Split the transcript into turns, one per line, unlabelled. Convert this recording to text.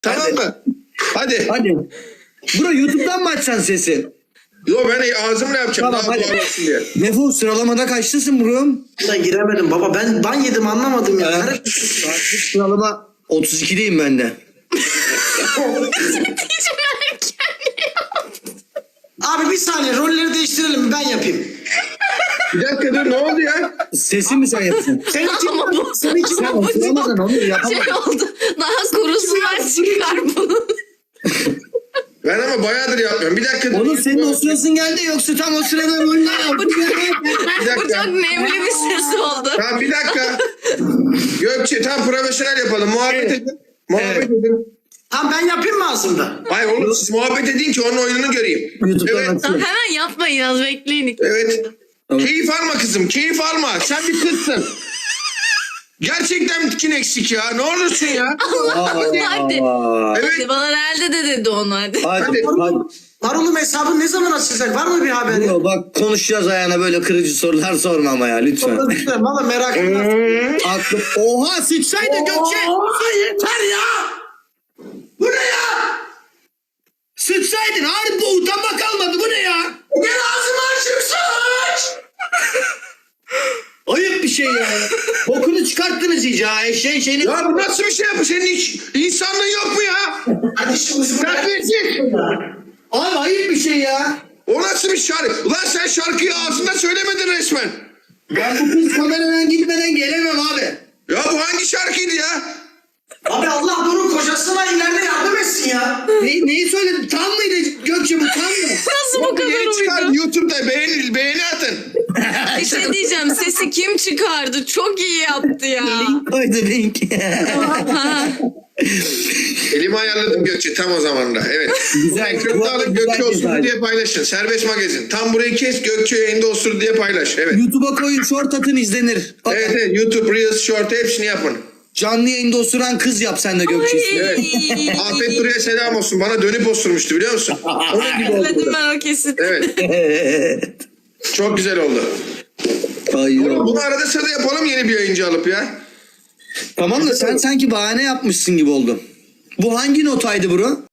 Tamam mı? Hadi.
Hadi. Bro YouTube'dan mı açacaksın sesi?
Yo ben ağzımla yapacağım.
Tamam,
Daha
hadi.
doğal olsun diye.
Defol, sıralamada kaçlısın bro?
Ben giremedim baba. Ben ban yedim anlamadım ya.
Artık sıralama 32'deyim ben de.
Abi bir saniye rolleri değiştirelim ben yapayım.
Bir dakika dur ne oldu ya?
Sesi mi sen yapıyorsun?
Sen kim?
Ama bu-
Sen kim?
Sen oturamadın onu yapamadın.
Şey oldu. Daha kurusunlar çıkar bunun.
Ben ama bayağıdır yapmıyorum. Bir dakika dur.
Oğlum senin o sırasın geldi yoksa tam o sırada oyunlar yaptın.
Bir dakika.
Bu çok nemli bir ses oldu.
Tamam bir dakika. Gökçe tam profesyonel yapalım. Muhabbet
Evet.
edin. Muhabbet
Evet.
edin.
Tamam ben yapayım mı ağzımda?
Hayır oğlum siz muhabbet edin ki onun oyununu göreyim.
YouTube'dan
Evet.
Tamam,
açıyorum.
hemen yapmayın az bekleyin.
Evet.
Tamam.
Keyif alma kızım. Keyif alma. Sen bir kızsın. Gerçekten bitkin eksik ya. Ne olursun ya.
Hadi.
Evet.
Hadi bana nerede de dedi onu hadi.
Hadi. Hadi.
Marul'um hesabın ne zaman açılacak? Var mı bir haberi?
Bro, bak konuşacağız ayağına böyle kırıcı sorular sorma ama ya lütfen.
Valla merak ettim.
Aklım. Oha sıçsaydı Gökçe.
Oha yeter ya! Bu ne ya?
Sıçsaydın harbi bu utanma kalmadı bu ne ya?
Gel ağzımı açayım sıç!
Ayıp bir şey ya. Bokunu çıkarttınız iyice ha eşeğin şeyini.
Ya bu nasıl bir şey yapı? Senin hiç insanlığın yok mu ya?
Hadi şimdi
Terbiyesiz.
Abi ayıp bir şey ya.
O nasıl bir şarkı? Ulan sen şarkıyı ağzında söylemedin resmen.
Ben bu kız kameradan gitmeden gelemem abi.
Ya bu hangi şarkıydı ya?
Abi Allah bunun kocasına ileride yardım etsin ya.
Neyi söyledin? Tam mıydı Gökçe bu tam mı?
Nasıl bu kadar
Yeni çıkar
uydu?
YouTube'da beğeni atın.
Bir şey diyeceğim, sesi kim çıkardı? Çok iyi yaptı ya.
Koydu link.
Ha.
Elimi ayarladım Gökçe tam o zaman da. Evet.
Güzel.
Ekranı alın
Güzel
Gökçe
güzel.
Osur diye paylaşın. Serbest magazin. Tam burayı kes Gökçe yayında Osur diye paylaş. Evet.
YouTube'a koyun short atın izlenir. Bak,
Evet, evet. YouTube, Reels, Short hepsini yapın.
canlı yayında osuran kız yap sen de Gökçe.
Evet. Afet Duru'ya selam olsun. Bana dönüp osurmuştu biliyor musun? Onun gibi oldu.
Özledim ben o kesit.
Evet. Çok güzel oldu.
Ay,
Bunu arada sırada yapalım yeni bir yayıncı alıp ya.
tamam da sen sanki bahane yapmışsın gibi oldu. Bu hangi notaydı bro?